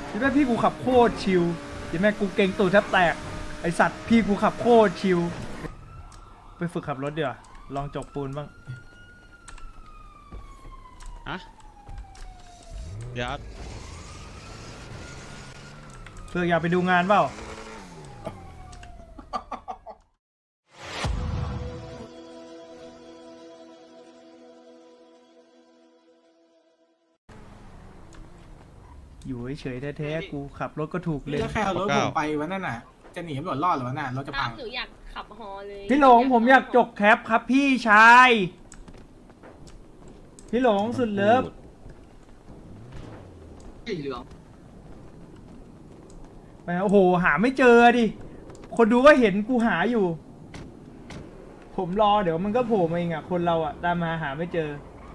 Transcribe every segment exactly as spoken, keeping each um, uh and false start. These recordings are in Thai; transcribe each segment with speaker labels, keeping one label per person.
Speaker 1: ที่แม่พี่กูขับโคตรชิลที่แม่กูเก่งตูดแทบแตกไอสัตว์พี่กูขับโคตรชิลไปฝึกขับรถเดี๋ยวลองจกปูนบ้าง
Speaker 2: ฮะเดี๋ยว
Speaker 1: เพื่ออยากไปดูงานเปล่าอยู่เฉยๆแท้ๆกูขับรถก็ถูกเลย
Speaker 3: แล้วใครเอารถผมไปวันนั้นน่ะ จะหนีตำรวจรอดหรือวะน่ะรถจะพัง
Speaker 4: หนูอยากขับฮอเลย
Speaker 1: พี่หลงผมอยากจกแคปครับพี่ชาย พี่หลงสุดเลิฟ
Speaker 5: สีเหลือง
Speaker 1: ไปโอ้โหหาไม่เจอดิคนดูก็เห็นกูหาอยู่ ผมรอเดี๋ยวมันก็โผล่มาเองอ่ะคนเราอ่ะตามมาหาไม่เจอ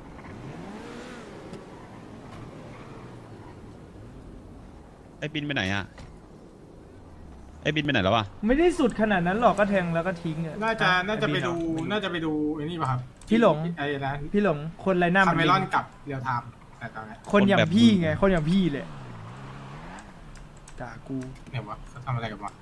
Speaker 2: ไอ้บินไปไหนอ่ะไอ้บินไปไหนแล้ววะ
Speaker 1: ไม่ได้สุดขนาดนั้นหรอกก็แทงแล้วก็ทิ้งอ่ะ
Speaker 3: น่าจะ น่าจะไปดู
Speaker 1: อ้
Speaker 3: น่าจะไปดูไอ้นี่ป่ะครับ
Speaker 1: พี่หลง
Speaker 3: ไอ้นะ
Speaker 1: พี่หลงคนไรหน้า
Speaker 3: คา
Speaker 1: มัน
Speaker 3: เม
Speaker 1: ลิ
Speaker 3: ลอน
Speaker 1: ง
Speaker 3: กับเรียวไทม์แต่ตอนนี้
Speaker 1: คนอย่างพี่ไงคนอย่างพี่เลยด่ากู
Speaker 3: เนี่ยวะเขาทำอะไรกันวะ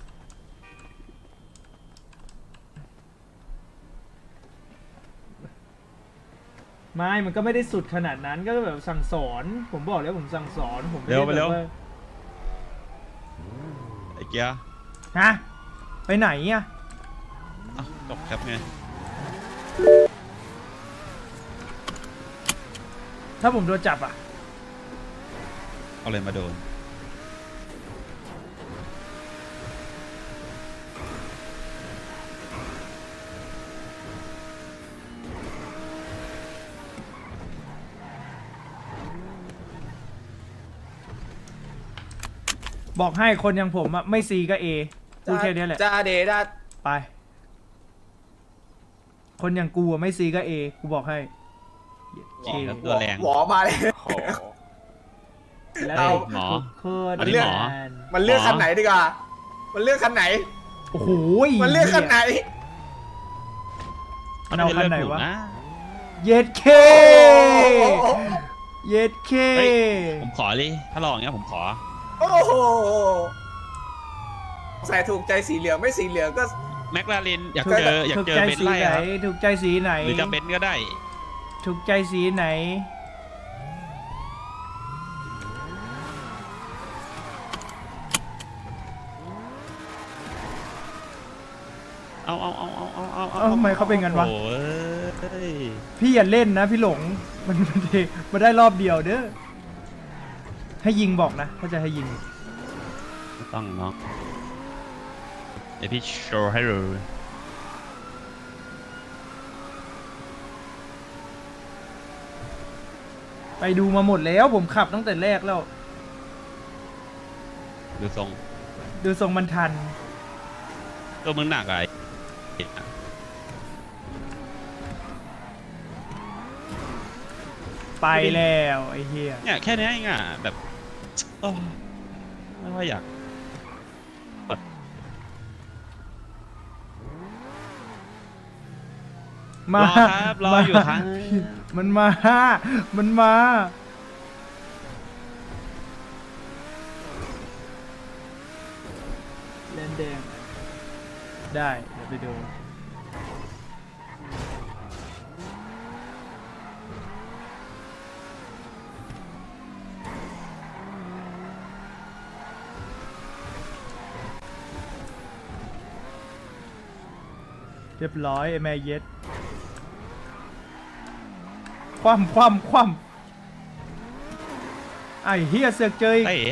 Speaker 1: ไม่มันก็ไม่ได้สุดขนาดนั้นก็แบบสั่งสอน ผมบอกแล้วผมสั่งสอนผมม่
Speaker 2: เร็ว
Speaker 1: ด้
Speaker 2: ไปเร็ว
Speaker 1: แบบา
Speaker 2: ไอ้เกียร์
Speaker 1: ฮะไปไหนอ่ะ
Speaker 2: อ่ะจบแคปไง
Speaker 1: ถ้าผมโดนจับอ่ะ
Speaker 2: เอาเลยมาโดน
Speaker 1: บอกให้คนอย่างผมอะไม่ซีก็เอพูดแค่นี้แหละ
Speaker 5: จ้าเดด้า
Speaker 1: ไป คนอย่างกูอะไม่ซีก็เอกูบอกให้
Speaker 2: จริงแล้วตัวแรง
Speaker 5: หวอมาเลย
Speaker 1: แล้ว
Speaker 2: เฮ้ยหมอ
Speaker 1: โคตร
Speaker 2: อันนี้หมอ
Speaker 1: นาน
Speaker 5: มันเลือกคันไหนดีกว่ามันเลือกคันไหน
Speaker 1: โอ้โห
Speaker 5: มันเลือกคันไหน
Speaker 1: มันเอาคันไหนวะ
Speaker 2: ม่ด้เลือกถูกนะ
Speaker 1: เย็ดเค
Speaker 5: โอ้โห
Speaker 1: เย็ดเค
Speaker 2: เฮ้ย ผมขอเลยถ้าลองอย่างเงี้ยผมขอ
Speaker 5: โอ้โหใส่ถูกใจสีเหลืองไม่สีเหลืองก็
Speaker 2: แมคลาเรนอยาก
Speaker 1: ถูก
Speaker 2: เจออยาก
Speaker 1: ถูก
Speaker 2: เจอ
Speaker 1: ใจ
Speaker 2: เบนซ์
Speaker 1: สี
Speaker 2: ไล่
Speaker 1: ไหน
Speaker 2: ครับ
Speaker 1: ถูกใจสีไหน
Speaker 2: หรือจะเบนซ์ก็ได้
Speaker 1: ถูกใจสีไหน
Speaker 2: เอาเอาเอาเอาเอาเอา
Speaker 1: เอ้าทำไมเขาเป็นงั้นวะ
Speaker 2: โอ้ย
Speaker 1: พี่อย่าเล่นนะพี่หลง มันมันเทมาได้รอบเดียวเด้อ ให้ยิงบอกนะถ้าจะให้ยิง
Speaker 2: ไม่ต้องเนาะเดี๋ยวพี่โชว์ให้ดู
Speaker 1: ไปดูมาหมดแล้วผมขับตั้งแต่แรกแล้ว
Speaker 2: ดูทรง
Speaker 1: ดูทรงมันทัน
Speaker 2: ตัวมึงหนักอะไร
Speaker 1: ไปแล้วไอ้เหี้ย
Speaker 2: เนี่ยแค่นี้เองอ่ะแบบโอ้ไม่ว่าอยาก
Speaker 1: มาร
Speaker 2: อครับรออยู่ครับ
Speaker 1: มันมา มันมา เล่นแดง ได้เดี๋ยวไปดู เรียบร้อยไอ้แม่เย็ด คว่ำคว่ำคว่ำไอ้เฮียเสือกเจออีก
Speaker 2: เอ้ย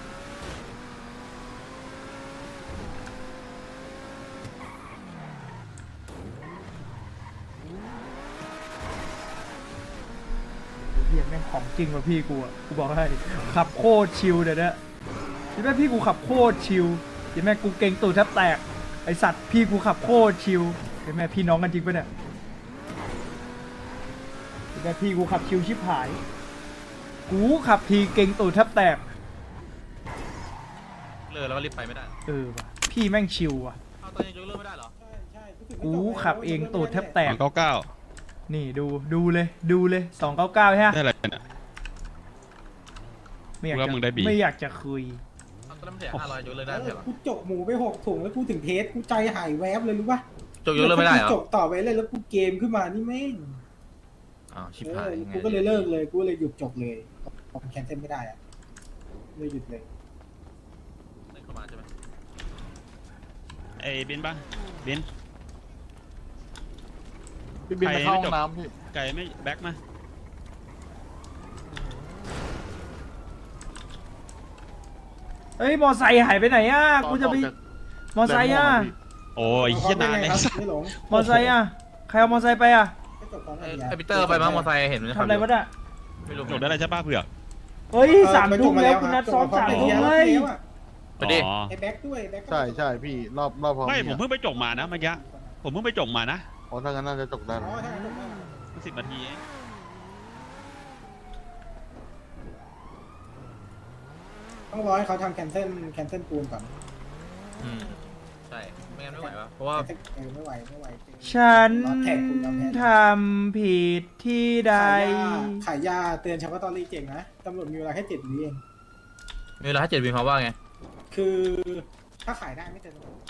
Speaker 1: เฮียแม่งของจริงว่ะพี่กูอ่ะกูบอกให้ขับโคตรชิลเดี๋ยวนี้ที่แม่พี่กูขับโคตรชิลที่แม่กูเก่งตูดแทบแตกไอสัตว์พี่กูขับโคตรชิลที่แม่พี่น้องกันจริงปะเนี่ยที่แม่พี่กูขับชิลชิบหายกูขับทีเก่งตูดแทบแตก
Speaker 6: เลิกแล้วก็รีบไปไม่ได้
Speaker 1: เออว่ะพี่แม่งชิลว่ะ
Speaker 6: เอาตอนยังยกเลิกไม่ได้เหรอ
Speaker 1: กูขับเองตูดแทบแต
Speaker 2: สอก งเก้าเก้า
Speaker 1: นี่ดูดูเลยดูเลยสองเก้าเก้าใช่ไหม
Speaker 2: ได้อะไรเนี่ย
Speaker 1: ไม่อยาก
Speaker 2: ว่า
Speaker 1: จะ
Speaker 2: มึงได้บี
Speaker 1: ไม่อยากจะคุย
Speaker 6: เอาต้นน้ำเสียห้าร้อยยกเลิกได้ไม่ใช่เหรอ
Speaker 4: กูจกหมูไปหกถุงแล้วกูถึงเทสกูใจหายแวบเลยรู้ป่ะ
Speaker 6: จกยกเลิกไม่ได้เหรอ
Speaker 4: จกต่อไปเลยแล้วกูเกมขึ้นมานี่แม่ง
Speaker 6: อ้าวชิบ
Speaker 4: เอ
Speaker 6: หาย
Speaker 4: อ
Speaker 6: ยังไง
Speaker 4: กูก็เลยเลิกเลยกูเลยหยุดจกเลยผมแคนเซิลไม่ได้อะเลยหยุดเลย
Speaker 6: เล่นเข้ามาใช่ไหม
Speaker 2: ไอ้บินปะบิน
Speaker 7: พี่บินไปเข้าห้องน้ำพี่
Speaker 2: ไก่ไม่แบ็คมา
Speaker 1: เอ้ยมอไซค์หายไปไหนอ่ะกูจะไปมอไซค์อ่ะ
Speaker 2: โอ้ยเหี้ยนานเลย
Speaker 4: ครับไม่หลง
Speaker 1: มอไซค์อ่ะใครเอามอไซค์ไปอ่ะ
Speaker 4: ก็จบตอน
Speaker 6: ไอ้
Speaker 4: นี้
Speaker 6: ไอ้ปีเตอร์ไปมั้งมอเตอร์ไซค์เห็นมัน
Speaker 1: ทำอะไรวะเนี่ย
Speaker 6: ไม่รู้
Speaker 2: จบได้เลยใช่ป่ะเผือก
Speaker 1: เฮ้ยสามทุ่มแล้วคุณนัดซ้อมสามทุ่มเลย
Speaker 6: ไปดิ
Speaker 2: อ๋อ
Speaker 4: ไอ้แบ็คด้วยแบ็คก็
Speaker 7: ใช่ใช่พี่รอบรอบพร้อม
Speaker 2: ไม่ผม
Speaker 7: พี่
Speaker 2: เพิ่งไปจบมานะเมื่อกี้ผมเพิ่งไปจบมานะ
Speaker 7: อ๋อถ้างั้นน่าจะจบได้
Speaker 4: อ๋
Speaker 7: นะ
Speaker 4: อใช่จบได้
Speaker 2: สิบนาทีเอง
Speaker 4: ต้องรอให้เขาทำแคนเซิลแคนเซิลปูนก่อน
Speaker 6: อืมใช่ไม่งั้นไม่ไหววะเพราะว่า
Speaker 4: เออไม่ไหวไม่ไหว
Speaker 1: ฉัน
Speaker 4: รอแท็กคุณยอมแพ้
Speaker 1: ทำผิดที่ใด
Speaker 4: ขายยาขายยาเตือนเฉพาะตอนรีเก่งนะตำรวจมีเวลาแค่เจ็ดวิเอง
Speaker 6: มีเวลาให้เจ็ดวินเขามว่าไง
Speaker 4: คือถ้าขายได้ไม่เตือนตำรวจ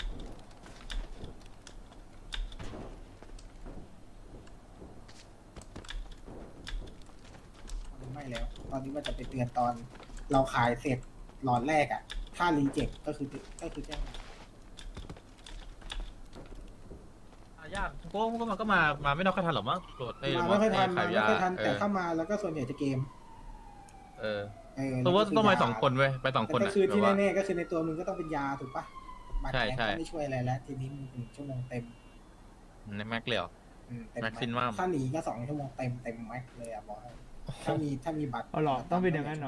Speaker 4: ไม่แล้ว ตอนนี้มันจะไปเตือนตอนเราขายเสร็จหลอดแรกอะถ้ารีเจ็คก็คือก็คือแจ้ง
Speaker 6: อ่ะยากพวกก็มาก็มามาไม่นอกค่อยทันหรอกมั้งโหลดไอ้
Speaker 4: มาไม่ค่อยทันมา
Speaker 6: ขาย
Speaker 4: ไม่
Speaker 6: ยา
Speaker 4: ค่อยทัน
Speaker 6: เอ
Speaker 4: แต่
Speaker 6: อ
Speaker 4: เข้ามาแล้วก็ส่วนใหญ่จะเกม
Speaker 6: เออ
Speaker 4: เออ
Speaker 6: ตัวว่าต้องไปสองคนเว้ยไปสองคน
Speaker 4: แต่
Speaker 6: อ่ะ
Speaker 4: ก็คือที่
Speaker 6: แบบว่า
Speaker 4: แน่ๆก็คือในตัวมึงก็ต้องเป็นยาถูกปะบัตร
Speaker 6: ใช่
Speaker 4: แข็ง
Speaker 6: ใช่
Speaker 4: ก็ไม่ช่วยอะไรแล้วทีนี้มึงถึงชั่วโมงเต็ม
Speaker 6: ในแม็กเลยเหรอ
Speaker 4: อืเต็
Speaker 6: Maximum
Speaker 4: ถ้าหนีก็สองชั่วโมงเต็มเต็มแม็กเลยอะบอกให้ถ้ามีถ้ามีบัตร
Speaker 1: เอาหรอต้องเป็นอย่างนั้นเหรอ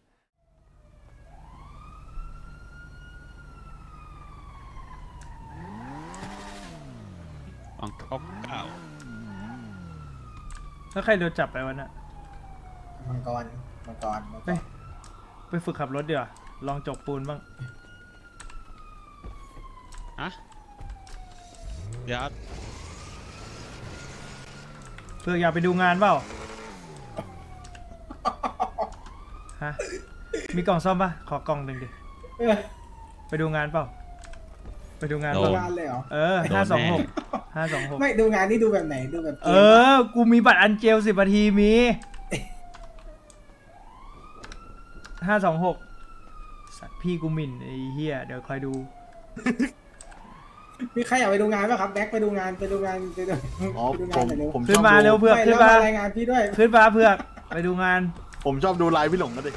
Speaker 2: ฟังเขาเก้า
Speaker 1: แล้วใครโดนจับไปวันน่ะ
Speaker 4: มังกรมังกรมังก
Speaker 1: เฮ้
Speaker 4: ร
Speaker 1: ย ไปฝึกขับรถเดี๋ยวาลองจกปูนบ้าง
Speaker 2: อะเดี๋ยว
Speaker 1: เพื่ออยากไปดูงานเปล่า ฮะ มีกล่องซ่อมปะขอกล่องหนึ่งดิ
Speaker 4: เออ
Speaker 1: ไปดูงานเปล่า ไปดูงาน
Speaker 4: ดู
Speaker 1: เปล่า
Speaker 4: งานเลยเหรอ
Speaker 1: เออห้าสองหกห้าสองหก
Speaker 4: ไม่ดูงานนี่ดูแบบไหนดูแบบเก
Speaker 1: เอ
Speaker 4: มปะ
Speaker 1: อ กูมีบัตรอันเจลสิบนาทีมีห้าสองหกสัตว์พี่กูหมิ่นไอ้เหี้ย เดี๋ยวคอยดู
Speaker 4: มีใครอยากไปดูงานป่ะครับแบ็คไปดูงานไปดูงานไปดู
Speaker 7: อ๋อ
Speaker 4: ไปดู
Speaker 7: ผ
Speaker 4: งาน
Speaker 7: ม
Speaker 4: หน่อยเร็ว
Speaker 7: ผม
Speaker 1: ขึ้
Speaker 7: ช
Speaker 1: น
Speaker 7: อบ
Speaker 1: มา
Speaker 7: ดู
Speaker 1: เร็วเพื่อก
Speaker 4: ไม่
Speaker 1: ขึ้น
Speaker 4: แล้ว
Speaker 1: มา
Speaker 4: มารายงานพี่ด้วย
Speaker 1: ขึ้นมาเพื่อกไปดูงาน
Speaker 7: ผมชอบดูไลฟ์พี่หลงก็ดิ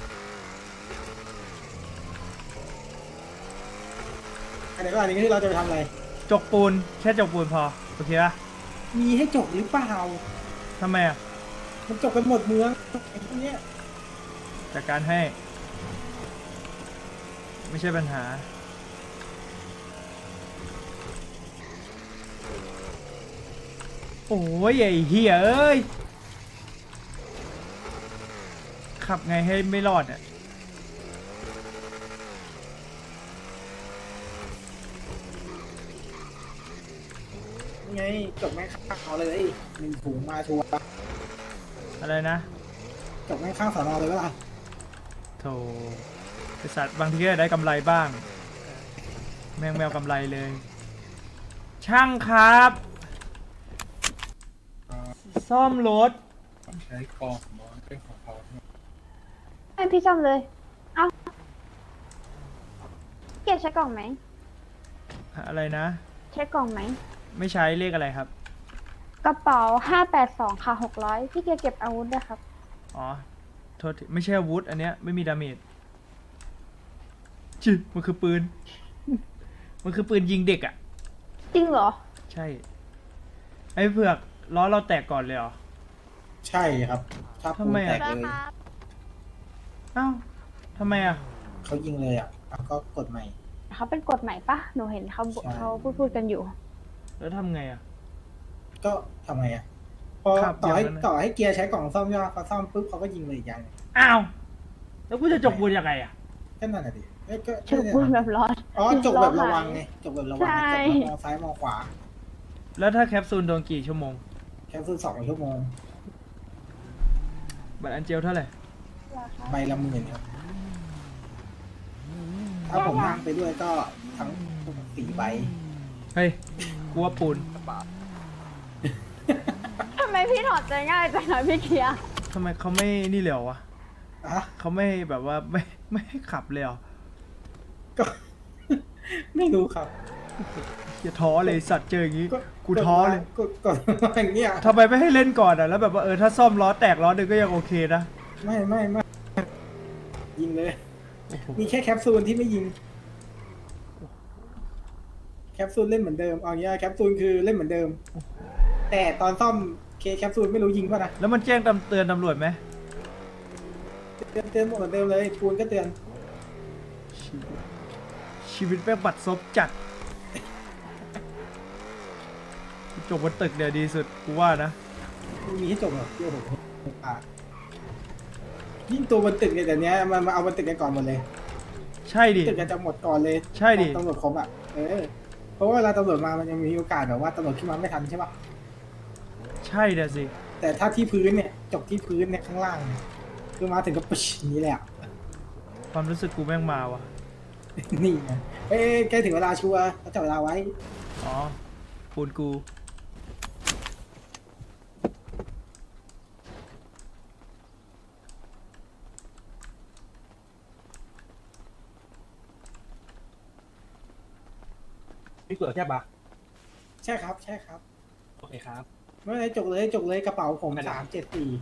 Speaker 4: อันไหนก่อนอันนี้คือเราจะไปทำอะไร
Speaker 1: จกปูน แค่จกปูนพอ โอเคปะ
Speaker 4: มีให้จกหรือเปล่า
Speaker 1: ทำไมอ่ะ
Speaker 4: มันจกกันหมดเมืองไอ้พวกเนี้ย
Speaker 1: จากการให้ ไม่ใช่ปัญหา โอ้ยไอ้เหี้ยเอ้ย ขับไงให้ไม่รอดอ่ะ
Speaker 4: นี่ไงจกแม่งข้างเอาเลยหนึ่งถุงมาชัวร์
Speaker 1: อะไรนะ
Speaker 4: จกแม่งข้างสอนอเลยเวล่ะ
Speaker 1: โถไอสัตว์บางทีก็ได้กำไรบ้าง แมงแมวกำไรเลย ช่างครับ ซ่อมรถ
Speaker 4: ใช้กองมอเป็นของเขา
Speaker 8: ให้พี่ซ่อมเลย เอาเกียร์ใช้กล่องไหม
Speaker 1: อะไรนะ
Speaker 8: ใช้กล่องไหม
Speaker 1: ไม่ใช้เลขอะไรครับ
Speaker 8: กระเป๋าห้าแปดสองค่ะหกร้อยพี่เกียร์เก็บอาวุธด้วยครับ
Speaker 1: อ๋อ โทษทีไม่ใช่อาวุธ อันเนี้ยไม่มีดาเมจจิมันคือปืน มันคือปืนยิงเด็กอ่ะ
Speaker 8: จริงเหรอ
Speaker 1: ใช่ ไอ้เผือกล้อเราแตกก่อนเลยเหรอ
Speaker 4: ใช่ครับถ้าปู
Speaker 1: ทำไม
Speaker 4: แต
Speaker 1: อะ
Speaker 4: กเลย
Speaker 1: อ้าวทำไมอ่ะ
Speaker 4: เขายิงเลยอ่ะแล้วก็กดใหม่
Speaker 8: เขาเป็นกฎใหม่ปะหนูเห็นเขา
Speaker 4: ใช่
Speaker 8: เขาพูดพูดกันอยู่
Speaker 1: แล้วทำไงอ่ะ
Speaker 4: ก็ทำไงอ่ะพอ
Speaker 1: ครับ
Speaker 4: ต่อให้
Speaker 1: อย่างนั้นนะ
Speaker 4: ต่อให้เกียร์ใช้กล่องซ่อมใช่ไหมพอซ่อมปุ๊บเขาก็ยิงเลยอีกอย่างหนึ่ง
Speaker 1: อ้าว แล้วกูจะจกปูนยังไงอ่ะ
Speaker 4: ก็นั่นแหละดิเอ้ยก็
Speaker 8: ชื่อพูดแบบร้อน
Speaker 4: อ๋อจกแบบระวังไงจกแบบระวัง
Speaker 8: ใช่
Speaker 4: จกแบบมองซ้ายมองขวา
Speaker 1: แล้วถ้าแคปซูลโดนกี่ชั่วโมง
Speaker 4: แค่ซื้อสองชั่วโมง
Speaker 1: บัตรอันเจลเท่าไหร่
Speaker 8: ร้รอคะ
Speaker 4: ใบละหมื่นครับถ้าผมนั่งไปด้วยก็ทั้งสี่ใบ
Speaker 1: เฮ้ยกูว่าปูน
Speaker 8: ทำไมพี่ถอดใจง่ายจังเลยพี่เกียร์
Speaker 1: ทำไมเขาไม่นี่เลยเหรอวะ
Speaker 4: อ่ะ
Speaker 1: เขาไม่แบบว่าไม่ไม่ให้ขับเลยเหรอ
Speaker 4: ก็ ไม่รู้ครับ
Speaker 1: อย่าท้อเลยสัตว์เจออย่างงี้
Speaker 4: ก็
Speaker 1: กูท้อเลย
Speaker 4: ก็ก็อย่างเงี้ย
Speaker 1: ทำไมไม่ให้เล่นก่อนอ่ะแล้วแบบว่าเออถ้าซ่อมล้อแตกล้อหนึ่งก็ยังโอเคนะ
Speaker 4: ไม่ไม่ไม่ยิงเลย
Speaker 1: โอ้โห
Speaker 4: มีแค่แคปซูลที่ไม่ยิง แคปซูลเล่นเหมือนเดิมเอางี้แคปซูลคือเล่นเหมือนเดิม แต่ตอนซ่อมเคแคปซูลไม่รู้ยิงป่ะนะ
Speaker 1: แล้วมันแจ้งตำเตือนตำรวจไหม
Speaker 4: เตือนเตือนหมดเหมือนเดิมเลยปูนก็เตือน
Speaker 1: ชีวิตชีวิตแม่งบัดซบจัดจบบนตึกเนี่ยดีสุดกูว่านะ
Speaker 4: ไม่มีให้จบหรอกโอ้โหอ่ะยิ่งตัวบนตึกเนี่ยแต่เนี้ยมันมาเอาบนตึกกันก่อนหมดเลย
Speaker 1: ใช่ดิ
Speaker 4: ตึกกันจะหมดก่อนเลย
Speaker 1: ใช่ดิ
Speaker 4: ตำรวจครบอ่ะเออเพราะว่าเวลาตำรวจมามันยังมีโอกาสแบบว่าตำรวจขึ้นมาไม่ทันใช่ป่ะ
Speaker 1: ใช่เดี๋ยวสิ
Speaker 4: แต่ถ้าที่พื้นเนี่ยจบที่พื้นเนี่ยข้างล่างเนี่ยคือมาถึงก็ปุ๊ชอย่างนี้แหลยอะ
Speaker 1: ความรู้สึกกูแม่งมาว่ะ
Speaker 4: นี่ไงเอ้ยใกล้ถึงเวลาชัวร์เขาจับเวลาไว้
Speaker 1: อ๋อปูนกู
Speaker 6: พี่เกิดแค่ปะ
Speaker 4: ใช่ครับ ใช่ครับ
Speaker 6: โอเคครับ
Speaker 4: ไม่เป็นไรจกเลยจกเลยกระเป๋าผมสามเจ็ดสี่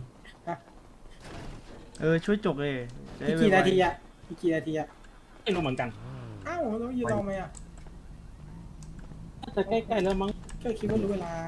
Speaker 1: เออช่วยจกเลยจะ
Speaker 4: พี่
Speaker 1: ได้
Speaker 4: กี่
Speaker 1: ไวๆ
Speaker 4: นาทีอะพี่กี่นาทีอะ
Speaker 6: ไม่รู้เหมือนกัน
Speaker 4: อ้าวแล้วยืนรอไหมอะ
Speaker 6: จะใกล้ๆแล้วมั้ง
Speaker 4: ก็คิดว่ารู้เวลา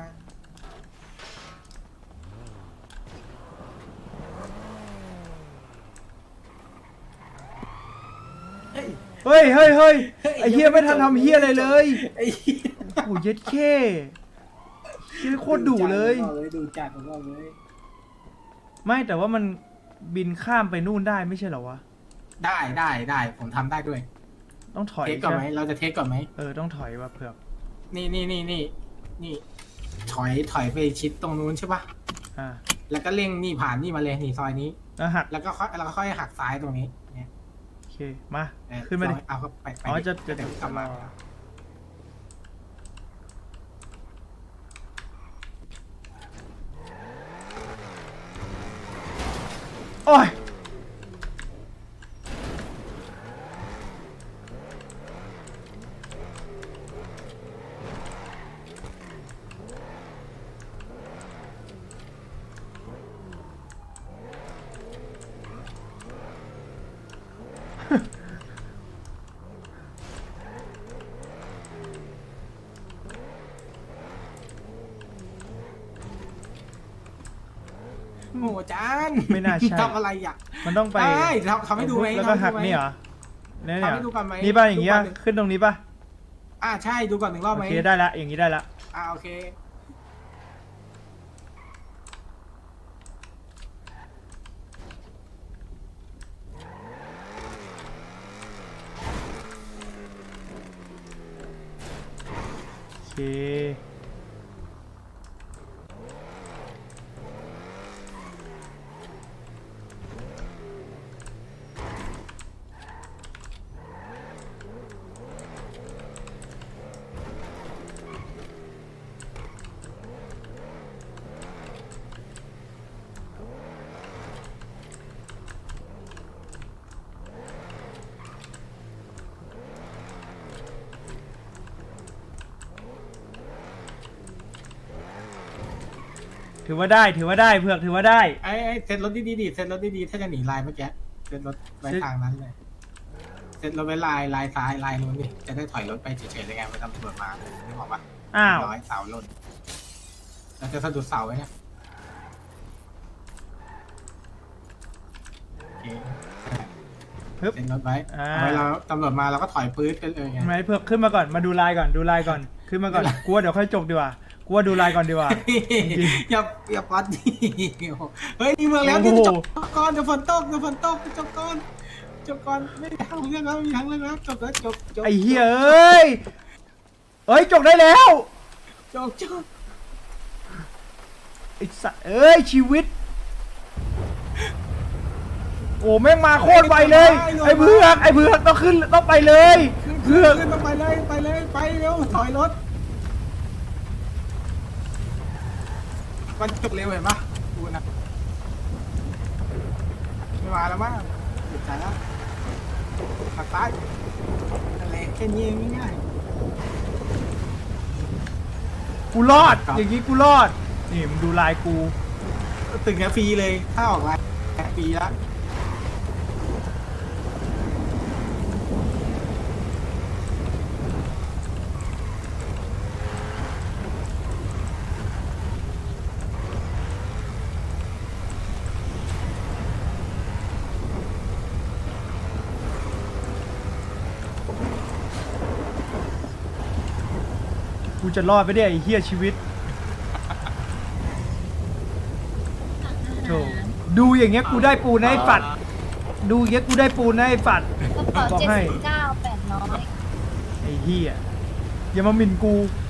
Speaker 4: เฮ้ย
Speaker 1: เฮ้ยเฮ้ยเฮ้ย
Speaker 4: เฮ้ย
Speaker 1: ไอ้เฮียไม่ทันทำเฮียอะไรเลย
Speaker 4: ไอ้เหี้ย
Speaker 1: โอ้ยเย็ดเข้เฮียโคตรดุเลย
Speaker 4: ผมบอกเลยดูจัดผมบอกเลย
Speaker 1: ไม่แต่ว่ามันบินข้ามไปนู่นได้ไม่ใช่เหรอวะ
Speaker 3: ได้ได้ได้ผมทำได้ด้วย
Speaker 1: ต้องถอย
Speaker 3: เทสก่อนไหม
Speaker 1: ใช่
Speaker 3: เราจะเทสก่อนไหม
Speaker 1: เออต้องถอยว่ะเผือก
Speaker 3: นี่นี่นี่นี่นี่ถอยถอยไปชิดตรงนู้นใช่ปะ
Speaker 1: อ่า
Speaker 3: แล้วก็เร่งนี่ผ่านนี่มาเลยนี่ซอยนี้
Speaker 1: แล้วหัก
Speaker 3: แล้วก็ค่อยแล้วก็ค่อยหักซ้ายตรงนี้เนี่ย
Speaker 1: โอเคมา
Speaker 3: เออ
Speaker 1: ขึ้นมาดิ
Speaker 3: เอาเข้าไปไป
Speaker 1: อ๋อจะจะ
Speaker 3: เดี๋ยวกลับมา
Speaker 1: โอ้ย
Speaker 3: โอ้จาน
Speaker 1: ไม่น่าใช่
Speaker 3: ทำอะไรอ่ะ
Speaker 1: มันต้องไป
Speaker 3: ได้ทำทำให้ดูไหม
Speaker 1: แล้วก็
Speaker 3: ทำให้
Speaker 1: หัก
Speaker 3: ดูไหม
Speaker 1: นี่เหรอเนี่ยเนี่ย
Speaker 3: ทำให้ดูก่อนไหม
Speaker 1: นี่ป่ะอย่างเงี้ย
Speaker 3: ดูก่อนหนึ่ง
Speaker 1: ขึ้นตรงนี้ป่ะ
Speaker 3: อ่าใช่ดูก่อนหนึ่งรอบ
Speaker 1: โอ
Speaker 3: ไหม
Speaker 1: เคได้ละอย่างนี้ได้ละ
Speaker 3: อ่าโอเค
Speaker 1: โอเคถือว่าได้ถือว่าได้เผือกถือว่าได้
Speaker 3: ไอ้ไอ้เซ็ตรถดีๆดิเซ็ตรถดีๆถ้าจะหนีลายเมื่อกี้เซ็ตรถไว้ทางนั้นเลยเซ็ตรถไว้ลายลายซ้ายลายนู้นดิจะได้ถอยรถไปเฉยๆเลยไงไม่ต้องตำรวจมาไม่บอกว่า
Speaker 1: อ้าว
Speaker 3: ร้อยเสาหล่นเราจะสะดุดเสาไว้เนี่ยโอเค
Speaker 1: ฮึบ
Speaker 3: เซ็นรถไว้
Speaker 1: อ่า
Speaker 3: เอาไว้เราตำรวจมาเราก็ถอยปื๊ดกันเลยไง
Speaker 1: ทำไมเผือกขึ้นมาก่อนมาดูลายก่อนดูลายก่อนขึ้นมาก่อนกูว่าเดี๋ยวค่อยจบดีกว่ากูว่าดูลายก่อนดีกว่า
Speaker 3: อย่าอย่าปัดดิเฮ้ยนี่เมืองแล้ว
Speaker 1: โอ้
Speaker 3: ที่
Speaker 1: โห
Speaker 3: จบก่อนเดี๋ยวฝนตกเดี๋ยวฝนตกจบก่อนจบก่อนไม่มีทางเรื่องแล้วไม่มีทางเรื่องแล้วจบแล้วจบจบ
Speaker 1: ไอ้เหี้ยเอ้ยเอ้ยจบได้แล้ว
Speaker 3: จบจบ
Speaker 1: ไอ้สัสเอ้ยชีวิตโอ้แม่งมาโคตรไวเลยไอ้เผือกไอ้เผือกต้องขึ้นต้องไปเลยเผือก
Speaker 3: ขึ้นมาไปเลยไปเลยไปเร็วถอยรถมันจบเร็วเห็นปะดูนะไม่มาแล้วมั้งหยุดใจแล้วหักซ้ายอะไรแค่นี้เองง่าย
Speaker 1: กูรอดอย่างงี้กูรอดนี่มึงดูลายกู
Speaker 3: ๆตึงแค่ฟรีเลยถ้าออกไลน์ฟรีแล้ว
Speaker 1: กูจะรอดไปได้ไอ้เหี้ยชีวิตโธ่ดูอย่างเงี้ยกูได้ปูนนะไอ้ฝัดดูอย่างเงี้ยกูได้ปูนนะไอ้ฝัด
Speaker 9: กระเป๋า
Speaker 1: บอก
Speaker 9: เจ็ด
Speaker 1: ให้
Speaker 9: สิบเก้าแปดร้อย
Speaker 1: ไอ้เหี้ยอย่ามาหมิ่นกู